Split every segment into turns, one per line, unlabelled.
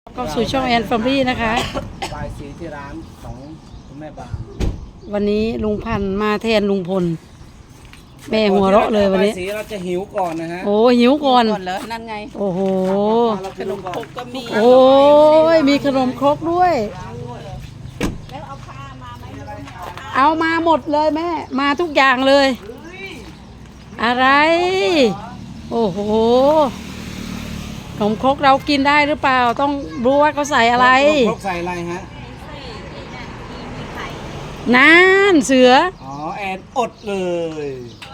เข้าสู่ช่องแอนฟอมลี่นะคะ
ปลายสีที่ร้านของคุณแม่ปาง
วันนี้ลุงพันธุ์มาแทนลุงพลแม่หัวเราะเลยวันนี้
ปลายสีเราจะหิวก่อนนะฮะ
โอ้หิวก่อน
เลยนั่นไง
โอ้โห
ขนมครกก็มี
โอ้ยมีขนมครกด้วย
แล้วเอาผ้ามาไหม
เอามาหมดเลยแม่มาทุกอย่างเลย อะไรโอ้โหขนมครกเรากินได้หรือเปล่าต้องรู้ว่าเขาใส่อะไร
ขนมครกใส่อะไรฮะ
นั่นเสือ
อ๋อแอนอดเลย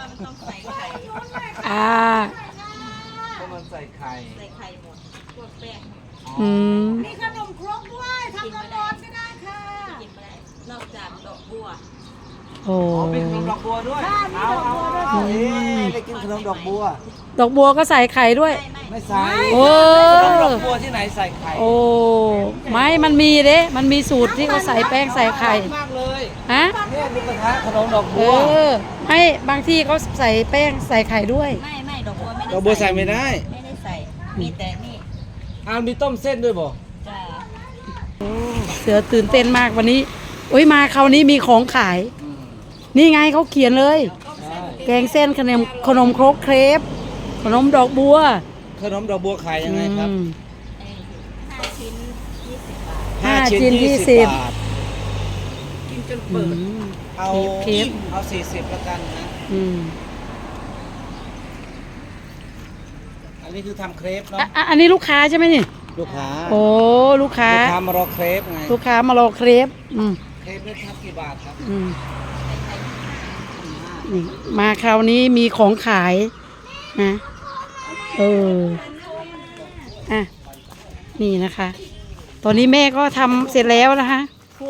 อ่า
เพราะมันใส่ไข่
ใส่ไข่หมดพวกแป้ง
อืม
มีขนมครกด้วยทำร้อนๆก็ได้ค่ะกินไม่ได้นอกจากดอกบัว
โอ้
มีขนมดอกบัวด้วยเอาไปกินขนมดอกบัว
ดอกบัวก็ใส่ไข่ด้วย
ไม่ใส่
โอ้
ขนมดอกบัวที่ไหนใส่ไข่
โอ้ไม่มันมีเด้มันมีสูตรที่เขาใส่แป้งใส่ไข่
มากเลย
ฮะ
เนี่ยมีกระทะขนมดอกบัว
ไม่บางที่เขาใส่แป้งใส่ไข่ด้วย
ไม่ดอกบัวไม่ได้
ดอกบัวใส่ไม่ได้
ไม่ได้ใส่มีแต่นี่
มีต้มเส้นด้วยบ่
จ้า
เสือตื่นเต้นมากวันนี้โอ้ยมาคราวนี้มีของขายนี่ไงเขาเขียนเลยแกงเส้นขนมครกเครปขนมดอกบัว
ขนมดอกบัวขายยังไงครับ
5 ชิ้น 20 บาท
5 ชิ้น 20
บาทกินจนเปิดเอา40แล้วกันนะอันนี้คือทำเครปเนาะ
อันนี้ลูกค้าใช่ไหมนี่
ลูกค้า
โอ้ลูกค้
มารอเครปไง
ลูกค้ามารอเครป
เครปนี่ครับกี่บาทครับ
นี่มาคราวนี้มีของขายนะอ่ะนี่นะคะ ตอนนี้แม่ก็ทำเสร็จแล้วนะคะ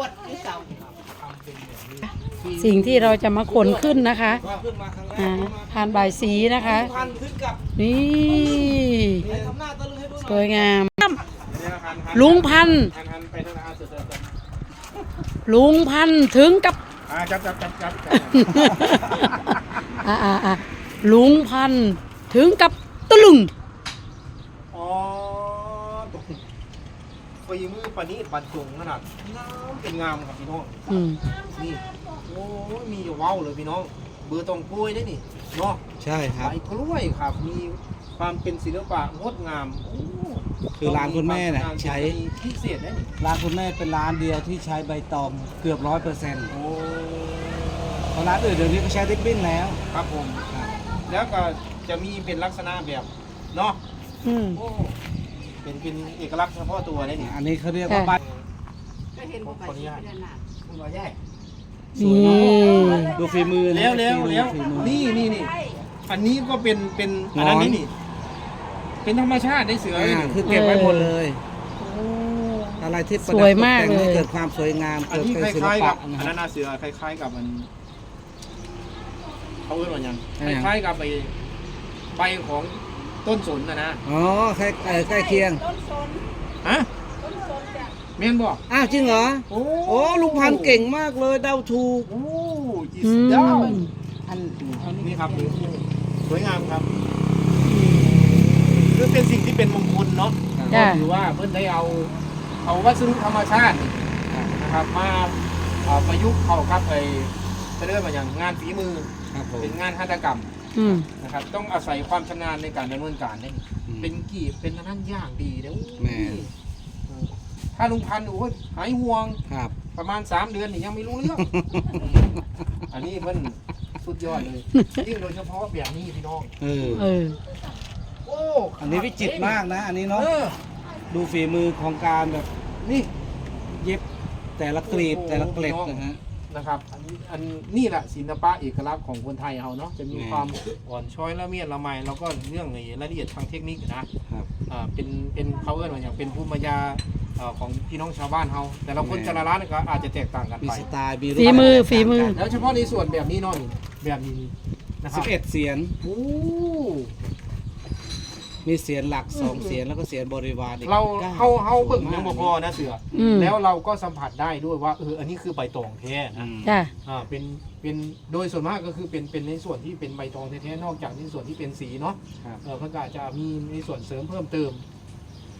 สิ่งที่เราจะมาขนขึ้นนะคะพานบายสีนะคะนี่สวยงามลุงพันธุ์ถึงกับ
จับ
ลุงพันธุ์ถึงกับตะลึง
ฝีมือปานี้ปันจงขนาดเป็นงามครับพี่น้องนี่โอ้มีว้าวเลยพี่น้องเบอร์ตองกล้วยได้นี่เนาะใช่ครับใบกล้วยครับมีความเป็นศิลปะงดงามคือร้านคุณแม่น่ะใช้พิเศษได้นี่ร้านคุณแม่เป็นร้านเดียวที่ใช้ใบตองเกือบ100%เพราะร้านอื่นเดี๋ยวนี้ก็ใช้ริบบิ้นแล้วครับผมแล้วก็จะมีเป็นลักษณะแบบเนาะเป็นเอกลักษณ์เฉพาะตัวได้นี่อันนี้เขาเรียกว่าใบก็เห็นว่าใบเดือนหนาคุณว่าใหญ่ดูฝีมือแล้วนี่อันนี้ก็เป็นอันนั้นนี่เป็นธรรมชาติได้เสือคือเก็บไว้หมดเลยอะไรที่
สวยมากเลย
เกิดความสวยงามเกิดเป็นศิลปะอันนั้นเสือคล้ายๆกับมันเขาเรียกว่าอย่างคล้ายๆกับใบของต้นสนนะอ๋อใกล้เคียงต้นสนฮะต้นสนจ้ะเมียนบอกจริงเหรอโอ้ลุงพันธุ์เก่งมากเลยเดาถูกโอ้จีสดาวอันนี้ครับสวยงามครับคือเป็นสิ่งที่เป็นมงคลเนาะก็ถือว่าเพื่อนได้เอาวัสดุธรรมชาตินะครับมาประยุกต์เข้ากับจะเรียกว่าอย่างงานฝีมือเป็นงานหัตถกรรมนะครับต้องอาศัยความชำนาญในการดำเนินการนี่เป็นกีบเป็นนั่นยากดีแล้วถ้าลุงพันธุ์หายห่วงประมาณ3 เดือนนี่ยังไม่รู้เรื่องอันนี้มันสุดยอดเลยยิ่งโดยเฉพาะแบบนี้พี่น้องโอ้อันนี้วิจิตรมากนะอันนี้เนาะดูฝีมือของการแบบนี่เย็บแต่ละกลีบแต่ละเกล็ดนะครับอันนี้แหละศิลปะเอกลักษณ์ของคนไทยเราเนาะจะมีความอ่อนช้อยละเมียดละไมแล้วก็เรื่องรายละเอียดทางเทคนิคนะเป็นเขาเรียกว่าอย่างเป็นภูมิปัญญาของพี่น้องชาวบ้านเราแต่เราคนแต่ละร้านก็อาจจะแตกต่างกันไปมีสไตล์
ฝีมือ
แล้วเฉพาะในส่วนแบบนี้เนาะแบบนี้นะครับ11 เสียนมีเสียนหลัก2 เสียนแล้วก็เสียนบริวารอีกเราเบิ่งยังบ่พอนะเสือแล้วเราก็สัมผัสได้ด้วยว่าอันนี้คือใบตองแท้นะเป็นโดยส่วนมากก็คือเป็นในส่วนที่เป็นใบตองแท้ๆนอกจากในส่วนที่เป็นสีเนาะเพื่อจะมีในส่วนเสริมเพิ่มเติม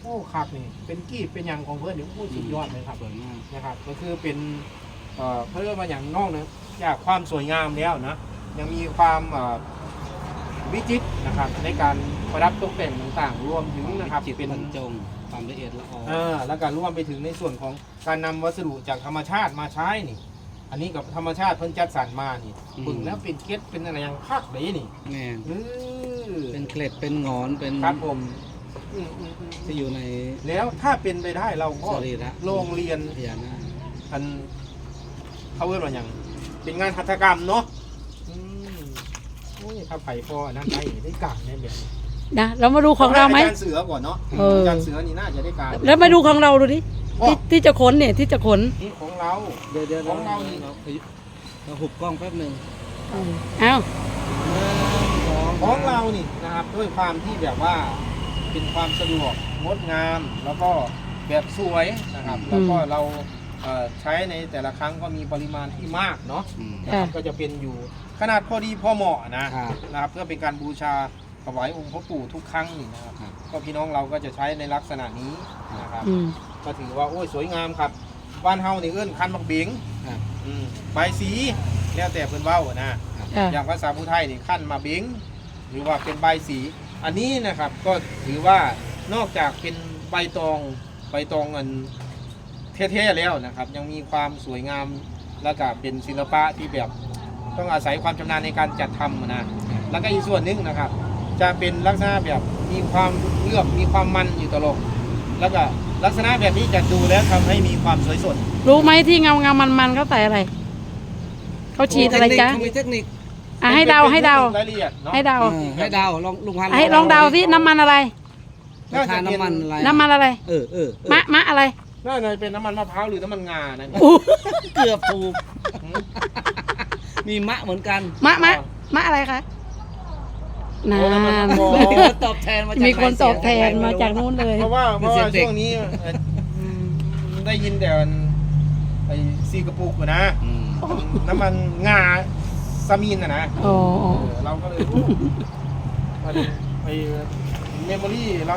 อ้คักนี่เป็นกีบเป็นหยังของเพื่อนนี่โอ้สุดยอดเลยครับ
สวยงาม
นะครับก็คือเป็นเพื่อมาอย่างนอกนะจากความสวยงามแล้วนะยังมีความวิจิตรนะครับในการประดับตกแต่งต่างๆ รวมถึงนะครับ
จิต
เป็น
บรรจงความละเอียดละออ
แล้วก็รวมไปถึงในส่วนของการนำวัสดุจากธรรมชาติมาใช้นี่ อันนี้กับธรรมชาติเพิ่นจัดสรรมานี่ปึงแล้วเป็นเกล็ดเป็นอะไรอย่างคักเลยนี่
แม่น
เออ
เป็นเกล็ดเป็นหงอนเป็น
ครับผม
ที่อยู่ใน
แล้วถ้าเป็นไปได้เราก็
สรีระ
โรงเรียน
พญานาค
อันเขาเรียกว่าอย่างเป็นงานหัตถกรรมเนาะโอ้ยถ้าไผ่พออันนั้นได้การแน่แบบนี้
นะเรามาดูของเราไหม
อาจารย์เสือก่อนเนาะ
เออ
อาจารย์เสือนี่น่าจะได้การ
แล้วมาดูของเราดูดิที่จะขนเนี่ยที่จะขน
นี่ของเรา
เดี๋ยว
ของเรานี่
เราหุบกล้องแป๊บหนึ่ง
เอ้า
ของเรานี่นะครับด้วยความที่แบบว่าเป็นความสะดวกงดงามแล้วก็แบบสวยนะครับแล้วก็เราใช้ในแต่ละครั้งก็มีปริมาณที่มากเนาะ นะครับก็จะเป็นอยู่ขนาดพอดีพอเหมาะนะครับเพื่อเป็นการบูชาถวายองค์พ่อปู่ทุกครั้งนี่นะครับก็พี่น้องเราก็จะใช้ในลักษณะนี้นะครับ ก็ถือว่าโอ้ยสวยงามครับบ้านเฮานี่เอื้นคันบักเบงใบสีแล้วแต่เพิ่นเว้านะอย่างภาษาผู้ไทยนี่คันมาเบงหรือว่าเป็นใบสีอันนี้นะครับก็ถือว่านอกจากเป็นใบตองอันเท่ๆแล้วนะครับยังมีความสวยงามและก็เป็นศิลปะที่แบบต้องอาศัยความชำนาญในการจัดทำนะแล้วก็อีกส่วนหนึ่งนะครับจะเป็นลักษณะแบบมีความเลือกมีความมันอยู่ตลอดแล้วก็ลักษณะแบบนี้จะดูแล้วทำให้มีความสวยสด
รู้ไหมที่เงามันเขาใส่อะไรเขาฉีดอะไรจ๊ะ
มีเทคนิค
ให้เดาราย
ละเอียดเนาะ
ให้เดา
ให้เดาลองลุงพันธุ์
ให้ลองเดาสิน้ำมันอะไร
ทานน้ำมันอะไร
น้ำมันอะไร มะอะไร
น่าจะเป็นน้ำมันมะพร้าวหรือน้ำมันงานะ
เกือบถูกมีมะเหมือนกัน
มะอะไรคะนาน
มีคนตอบแทนมาจาก
มีคนตอบแทนมาจากนู้นเลย
เพราะว่าช่วงนี้ได้ยินแต่ไอ้ซีกระปุกนะน้ำมันงาซามีนนะ
อ๋อ
เราก็เลยไอ้เมมโมรี่เรา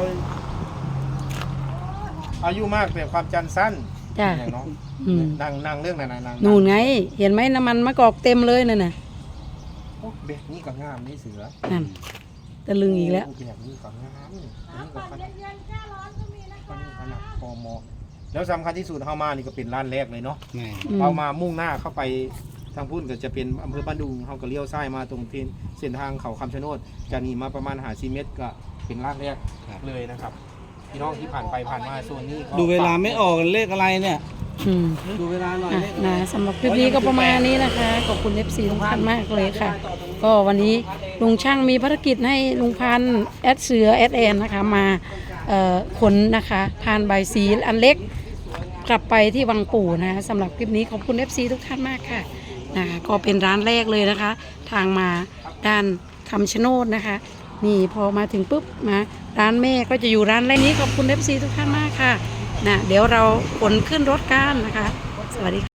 อายุมากแต่ความจำสั้น
จ้ะ
อย่างน้องนางเรื่องไหนนาง
นู่นไง เห็นไหมน้ำมันมะกอกเต็มเลยนั่นน่ะ
เบ็ดนี่ก็งามนี่เสือ
นั่นตะลึงอีกแล้ว
แบบนี้ก็งามนี่ก็
ปั่นเย็นๆแค่ร้อนก็มีนะคะ
ขนาดพอมอแล้วสำคัญที่สุดเข้ามานี่ก็เป็นร้านแรกเลยเนาะ
แม่
เรามามุ่งหน้าเข้าไปทางพุ่นก็จะเป็นอำเภอบ้านดุงเขาก็เลี้ยวซ้ายมาตรงเส้นทางเขาคำชะโนดจะหนีมาประมาณ50 เมตรก็เป็นร้านแรกเลยนะครับพี่น้องที่ผ่านไปผ่านมาโซนนี้ก็
ดูเวลาไม่ออกเลขอะไรเนี่ย
อืม
ดูเวลาหน่อยเลขอะไร
นะสำหรับคลิปนี้ก็ประมาณนี้นะคะ ขอบคุณ FC ทุกท่านมากเลยค่ะ ก็วันนี้ลุงช่างมีภารกิจให้ลุงพันธุ์แอดเสือแอดแอนนะคะมาขนนะคะพานใบสีอันเล็กกลับไปที่วังปู่นะคะสำหรับคลิปนี้ขอบคุณ FC ทุกท่านมากค่ะนะคะก็เป็นร้านแรกเลยนะคะ ทางมาด้านคำชะโนดนะคะ นี่พอมาถึงปุ๊บมาร้านแม่ก็จะอยู่ร้านแรกนี้ขอบคุณ FC ทุกท่านมากค่ะนะเดี๋ยวเราขนขึ้นรถกันนะคะ สวัสดีค่ะ